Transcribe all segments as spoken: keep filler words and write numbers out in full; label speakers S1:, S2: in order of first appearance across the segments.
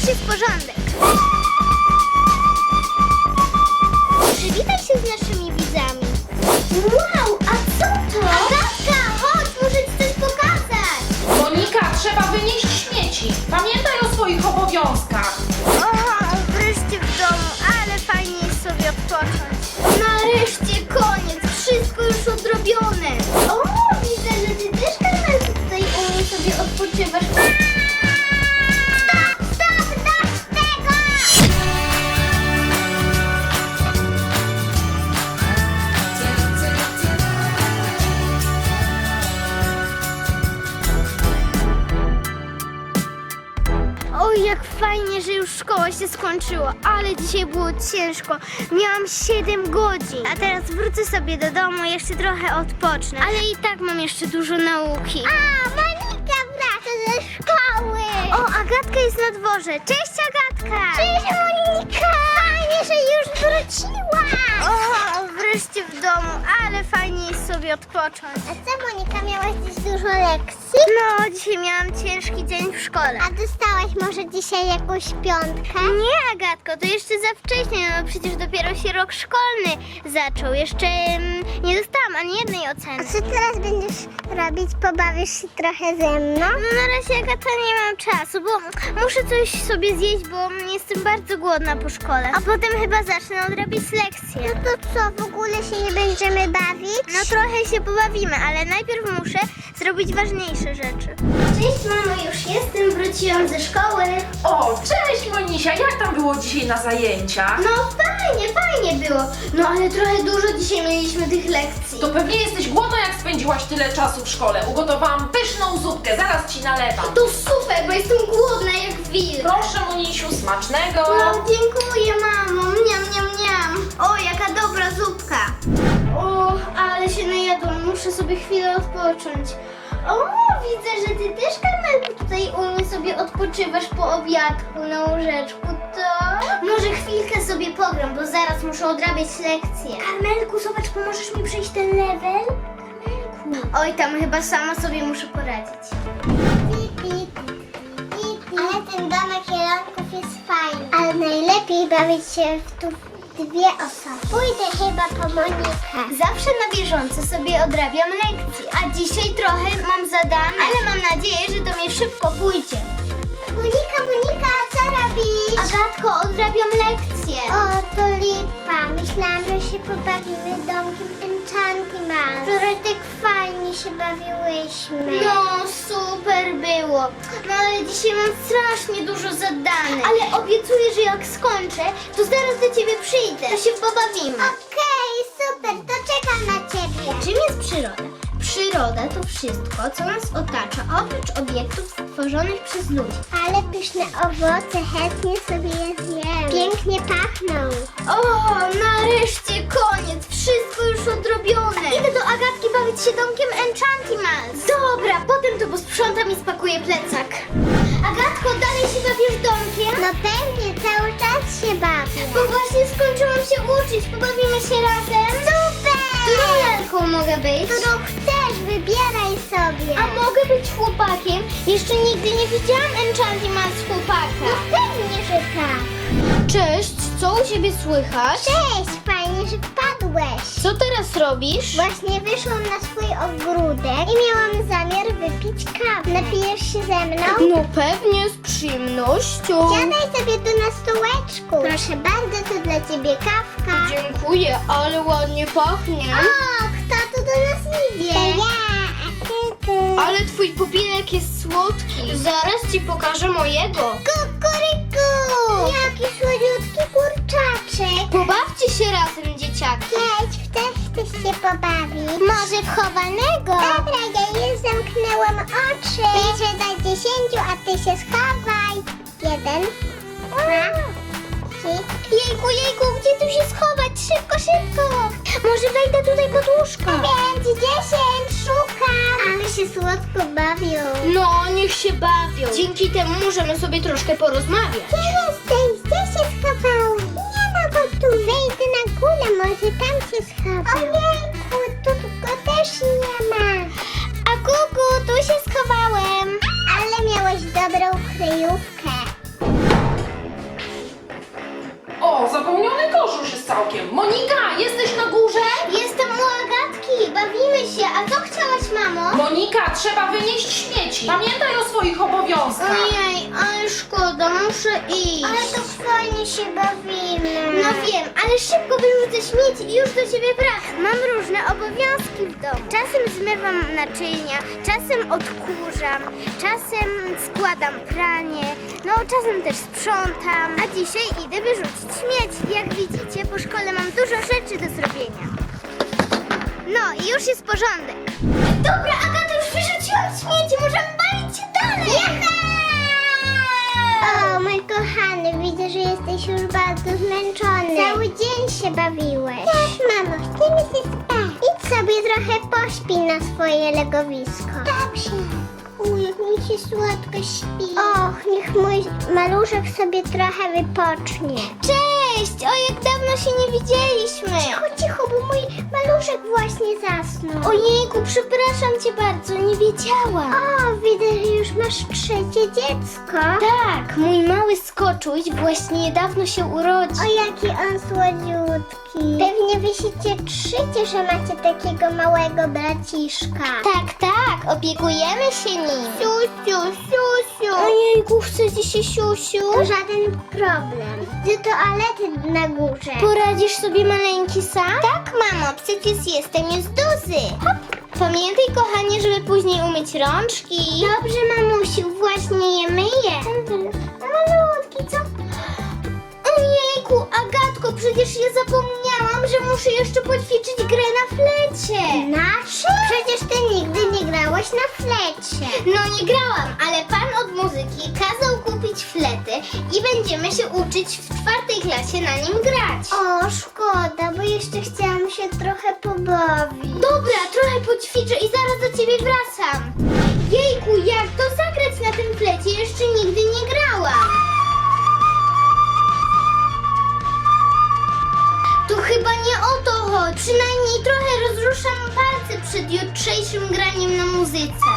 S1: jest porządek. Przywitaj się z naszymi widzami. Wow, a co to? Agatka, chodź, muszę ci coś pokazać.
S2: Monika, trzeba wynieść śmieci. Pamiętaj o swoich obowiązkach.
S1: O, wreszcie w domu, ale fajnie jest sobie odpocząć. Nareszcie koniec, wszystko już odrobione. O, widzę, że ty też, Karmelku, tutaj u mnie sobie odpoczywasz. Stop, stop, dość tego! Oj, jak fajnie, że już szkoła się skończyła, ale dzisiaj było ciężko. Miałam siedem godzin, a teraz wrócę sobie do domu, jeszcze trochę odpocznę. Ale i tak mam jeszcze dużo nauki. A, Monika wraca ze szkoły. O, Agatka jest na dworze. Cześć, Agatka. Cześć, Monika. Fajnie, że już wróciłaś. O, wreszcie w domu, ale fajnie jest sobie odpocząć. A co, Monika, miałaś dziś dużo lekcji? No, dzisiaj miałam ciężki dzień w szkole. A dostałaś może dzisiaj jakąś piątkę? Nie, Agatko, to jeszcze za wcześnie, no przecież dopiero się rok szkolny zaczął. Jeszcze mm, nie dostałam ani jednej oceny.
S3: A co teraz będziesz robić? Pobawisz się trochę ze mną?
S1: No na razie, Agata, nie mam czasu, bo muszę coś sobie zjeść, bo jestem bardzo głodna po szkole. A potem chyba zacznę odrabiać lekcje.
S3: No to co, w ogóle się nie będziemy bawić?
S1: No trochę się pobawimy, ale najpierw muszę zrobić ważniejsze rzeczy. Cześć, mamo, już jestem, wróciłam ze szkoły.
S2: O, cześć Monisia, jak tam było dzisiaj na zajęciach?
S1: No fajnie, fajnie było. No ale trochę dużo dzisiaj mieliśmy tych lekcji.
S2: To pewnie jesteś głodna, jak spędziłaś tyle czasu w szkole. Ugotowałam pyszną zupkę, zaraz ci nalewam.
S1: To super, bo jestem głodna jak wilk.
S2: Proszę Monisiu, smacznego.
S1: No dziękuję, mamo. Miam, miam, miam. O, jaka dobra zupka. O, ale się najadłam. Muszę sobie chwilę odpocząć. O, widzę, że ty też, Karmelku, tutaj u mnie sobie odpoczywasz po obiadku na łóżeczku, to... Może chwilkę sobie pogram, bo zaraz muszę odrabiać lekcje. Karmelku, zobacz, pomożesz mi przejść ten level? Karmelku. Oj, tam chyba sama sobie muszę poradzić.
S3: Ale ten domek jelonków jest fajny. Ale najlepiej bawić się w tu dwie osoby. Pójdę chyba po Monikę.
S1: Zawsze na bieżąco sobie odrabiam lekcje, a dzisiaj trochę mam zadane, ale mam nadzieję, że to mi szybko pójdzie.
S3: Monika, Monika, co robisz?
S1: Agatko, odrabiam lekcje.
S3: O, to lipa. Myślałam, że się pobawimy domkiem Enchantimals. Wczoraj tak fajnie się bawiłyśmy.
S1: No, super było. No ale dzisiaj mam strasznie dużo zadanych. Ale obiecuję, że jak skończę, to zaraz do ciebie przyjdę. To się pobawimy.
S3: Okej, super, to czekam na ciebie.
S1: Czym jest przyroda? Przyroda to wszystko, co nas otacza, oprócz obiektów stworzonych przez ludzi.
S3: Ale pyszne owoce, chętnie sobie je zjem. Pięknie pachną.
S1: O, nareszcie koniec, wszystko już odrobione. Idę do Agatki bawić się domkiem Enchantimals. Dobra, potem to posprzątam i spakuję plecak. Agatko, dalej się bawisz domkiem?
S3: No pewnie, cały czas się bawię.
S1: Bo właśnie skończyłam się uczyć, pobawimy się razem?
S3: Super!
S1: Którą lalką mogę być?
S3: Którą chcesz, wybieraj sobie.
S1: A mogę być chłopakiem? Jeszcze nigdy nie widziałam Enchantimals chłopaka.
S3: Pewnie, że tak.
S1: Cześć, co u ciebie słychać?
S3: Cześć, fajnie, że wpadłeś.
S1: Co teraz robisz?
S3: Właśnie wyszłam na swój ogródek i miałam zamiar wypić kawę. Napijesz się ze mną?
S1: No pewnie, z przyjemnością.
S3: Siadaj sobie tu na stołeczku. Proszę bardzo, to dla ciebie kawka.
S1: Dziękuję, ale ładnie pachnie.
S3: O, kto tu do nas idzie? To ja, a ty, ty.
S1: Ale twój pupilek jest słodki. Zaraz ci pokażę mojego.
S3: Kukuryku! Jaki słodziutki kurczaczek.
S1: Pobawcie się razem, dzieciaki.
S3: Jedź, też chcesz się pobawić. Może w chowanego? Dobra, ja już zamknęłam oczy. Liczę do dziesięciu, a ty się schowaj. Jeden, dwa, trzy.
S1: Jejku, jejku, gdzie tu się schować? Szybko, szybko. Może wejdę tutaj pod łóżko.
S3: Pięć, dziesięć, szukam. Ale się słodko bawią.
S1: No, niech się bawią. Dzięki temu możemy sobie troszkę porozmawiać.
S3: Gdzie jesteś? Gdzie się schowałeś? Nie ma go tu. Wejdę na górę, może tam się schował. Ojejku, tu go też nie ma.
S1: A kuku, tu się schowałem.
S3: Ale miałeś dobrą kryjówkę.
S2: całkiem. Monika, jesteś na górze?
S1: Jestem u Agatki, bawimy się. A co chciałaś, mamo?
S2: Monika, trzeba wynieść śmieci. Pamiętaj o swoich obowiązkach.
S1: Ojej, ale szkoda, muszę iść.
S3: Ale to fajnie się bawimy.
S1: No wiem, ale szybko wyrzucę śmieci i już do ciebie wracam. Mam różne obowiązki w domu. Czasem zmywam naczynia, czasem odkurzam, czasem składam pranie, no czasem też sprzątam, a dzisiaj idę wyrzucić śmieci. Jak widzicie, po szkole mam dużo rzeczy do zrobienia. No i już jest porządek. Dobra, Agata, już wyrzuciłam śmieci, możemy bawić się dalej.
S3: O, mój kochany, widzę, że jesteś już bardzo zmęczony. Cały dzień się bawiłeś. Tak, mamo, chcemy się spać. Idź sobie trochę pośpij na swoje legowisko. Dobrze. Uj, jak mi się słodko śpi. Och, niech mój maluszek sobie trochę wypocznie.
S1: Cześć! O, jak dawno się nie widzieliśmy.
S3: Cicho, cicho, bo mój maluszek właśnie zasnął.
S1: Ojejku, przepraszam cię bardzo, nie wiedziałam.
S3: O, widzę, że już masz trzecie dziecko.
S1: Tak, mój mały skoczuś właśnie niedawno się urodził.
S3: O, jaki on słodziutki. Pewnie wy się cieszycie, że macie takiego małego braciszka.
S1: Tak, tak, opiekujemy się nim.
S3: Siusiu, siusiu.
S1: Ojejku, chcecie się siusiu?
S3: To żaden problem. Do toalety na górze.
S1: Poradzisz sobie maleńki sam? Tak, mamo, przecież jestem już duży. Hop. Pamiętaj, kochanie, żeby później umyć rączki.
S3: Dobrze, mamusiu, właśnie je myję. Malutki, co?
S1: Ojejku, Agatko, przecież ja zapomniałam, że muszę jeszcze poćwiczyć grę na flecie.
S3: Nasze? Przecież ty nigdy nie grałaś na flecie.
S1: No nie grałam, ale pan od muzyki kazał kupić flety i będziemy się uczyć w czwartej klasie na nim grać.
S3: O, szkoda, bo jeszcze chciałam się trochę pobawić.
S1: Dobra, trochę poćwiczę i zaraz do ciebie wracam. Jejku, jak to zagrać na tym flecie? Jeszcze nigdy nie grałam. Tu chyba nie o to chodzi. Przynajmniej trochę rozruszam palce przed jutrzejszym graniem na muzyce.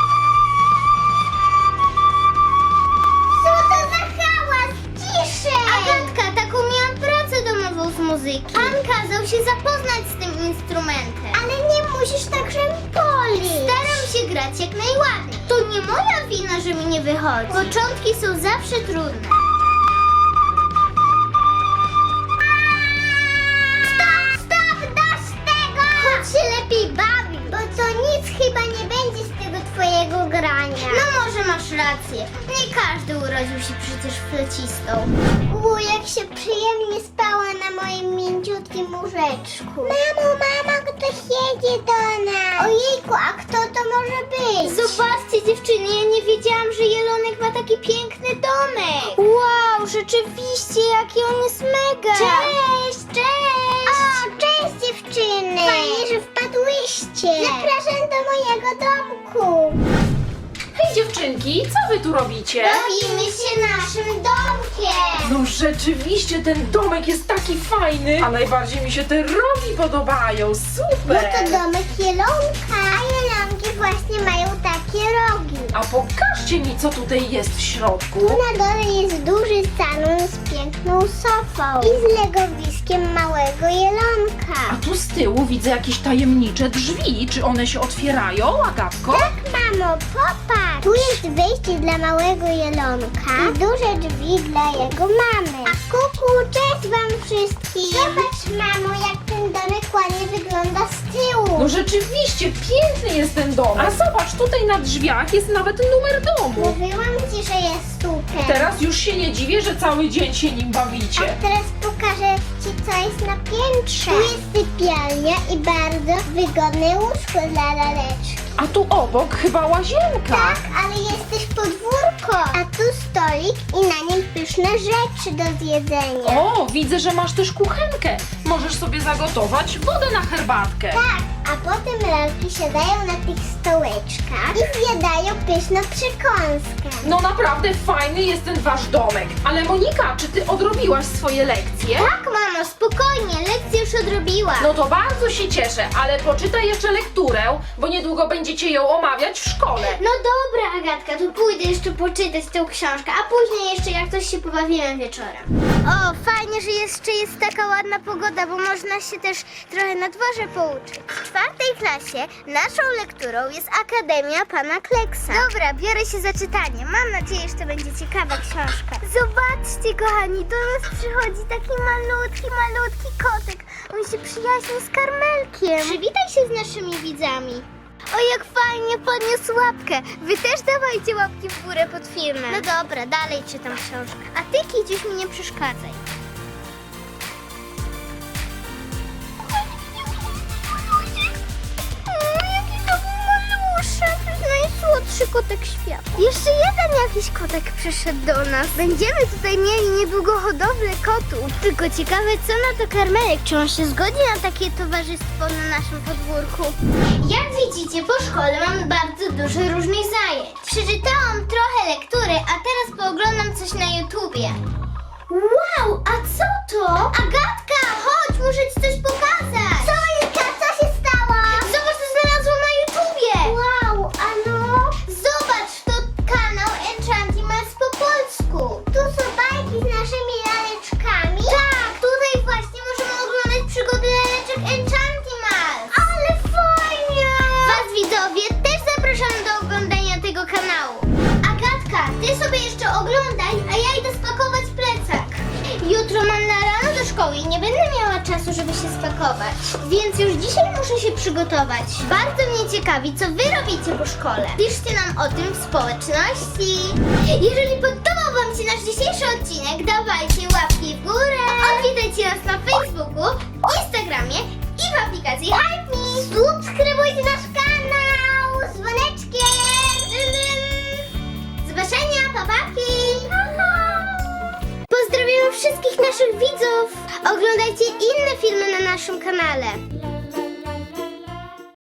S3: Co to za hałas? Ciszej!
S1: Agatka, taką miałam pracę domową z muzyki. Pan kazał się zapoznać z tym instrumentem.
S3: Ale nie musisz tak polić.
S1: Staram się grać jak najładniej. To nie moja wina, że mi nie wychodzi. Początki są zawsze trudne.
S3: Stop, stop, dość tego! Chodź się lepiej bawi, bo to nic chyba nie będzie z tego twojego grania.
S1: No może masz rację. Nie każdy urodził się przecież flecistą.
S3: U, jak się przyjemnie spała na moim mięciutkim łóżeczku. Mamo, mama, ktoś jedzie do nas. Ojejku, a kto to może być?
S1: Zobaczcie, dziewczyny, ja nie wiedziałam, że Jelonek ma taki piękny domek. Wow, rzeczywiście, jaki on jest mega. Cześć, cześć.
S3: O, cześć dziewczyny! Fajnie, że wpadłyście. Zapraszam do mojego domku.
S2: Hej dziewczynki, co wy tu robicie?
S1: Bawimy się naszym domkiem.
S2: No rzeczywiście ten domek jest taki fajny, a najbardziej mi się te rogi podobają,
S3: No
S2: super!
S3: to domek Jelonka. A Jelonki właśnie mają takie rogi.
S2: A pokażcie mi, co tutaj jest w środku.
S3: Na dole jest duży salon z piękną sofą i z legowiskiem małego Jelonka.
S2: A tu z tyłu widzę jakieś tajemnicze drzwi. Czy one się otwierają, Agatko?
S3: Tak, mamo, popatrz! Tu jest wejście dla małego Jelonka i duże drzwi dla jego mamy. A kuku, cześć wam wszystkim! Zobacz, mamo, jak ten domek ładnie wygląda z tyłu.
S2: No rzeczywiście, piękny jest ten dom. A zobacz, tutaj na drzwiach jest nawet numer domu.
S3: Mówiłam ci, że jest super.
S2: Teraz już się nie dziwię, że cały dzień się nim bawicie.
S3: A teraz pokażę ci, co jest na piętrze. Tu jest sypialnia i bardzo wygodne łóżko dla laleczki.
S2: A tu obok chyba łazienka.
S3: Tak, ale jest też podwórko. A tu stolik i na nim pyszne rzeczy do zjedzenia.
S2: O, widzę, że masz też kuchenkę. Możesz sobie zagotować wodę na herbatkę.
S3: Tak, A potem lalki siadają na tych stołeczkach i zjadają pyszną przekąskę.
S2: No naprawdę fajny jest ten wasz domek. Ale Monika, czy ty odrobiłaś swoje lekcje?
S3: Tak, mamo, spokojnie, lekcję już odrobiłam.
S2: No to bardzo się cieszę, ale poczytaj jeszcze lekturę, bo niedługo będziecie ją omawiać w szkole.
S1: No dobra, Agatka, to pójdę jeszcze poczytać tę książkę, a później jeszcze jak coś się pobawimy wieczorem. O, fajnie, że jeszcze jest taka ładna pogoda, bo można się też trochę na dworze pouczyć. W czwartej klasie naszą lekturą jest Akademia Pana Kleksa. Dobra, biorę się za czytanie. Mam nadzieję, że to będzie ciekawa książka. Zobaczcie, kochani, do nas przychodzi taki malutki, malutki kotek. On się przyjaźni z Karmelkiem. Przywitaj się z naszymi widzami. O, jak fajnie podniósł łapkę. Wy też dawajcie łapki w górę pod filmem. No dobra, dalej czytam książkę. A ty, Kidziuś, mi nie przeszkadzaj. O, jaki to był maluszek. To jest najsłodszy kotek świata. Jeszcze jeden jakiś kotek przyszedł do nas. Będziemy tutaj mieli niedługo hodowlę kotów. Tylko ciekawe, co na to Karmelek. Czy on się zgodzi na takie towarzystwo na naszym podwórku? Jak widzicie, po szkole mam bardzo dużo różnych zajęć. Przeczytałam trochę lektury, a teraz pooglądam coś na YouTubie. Wow, a co to? Agatka, chodź, muszę ci coś pokazać. Co jest? Co się stało? Zobacz, co znalazłam na YouTubie. Wow, a no? Zobacz, to kanał Enchantimals po polsku. Tu są bajki z naszymi laleczkami. Tak, tutaj właśnie możemy oglądać przygody laleczek Enchantimals. Ale fajnie! Was widzowie też zapraszam do oglądania tego kanału. Agatka, ty sobie jeszcze oglądaj, a ja idę spakować plecak. Jutro mam na rano do szkoły i nie będę miała czasu, żeby się spakować. Więc już dzisiaj muszę się przygotować. Bardzo mnie ciekawi, co wy robicie po szkole. Piszcie nam o tym w społeczności. Jeżeli podobał wam się nasz dzisiejszy odcinek, dawajcie łapki w górę. Odwiedzajcie nas na Facebooku, Instagramie i w aplikacji Hype Me. Subskrybujcie nasz kanał z dzwoneczkiem. Do zobaczenia, papaki. Pozdrawiamy wszystkich naszych widzów. Oglądajcie inne filmy na naszym kanale.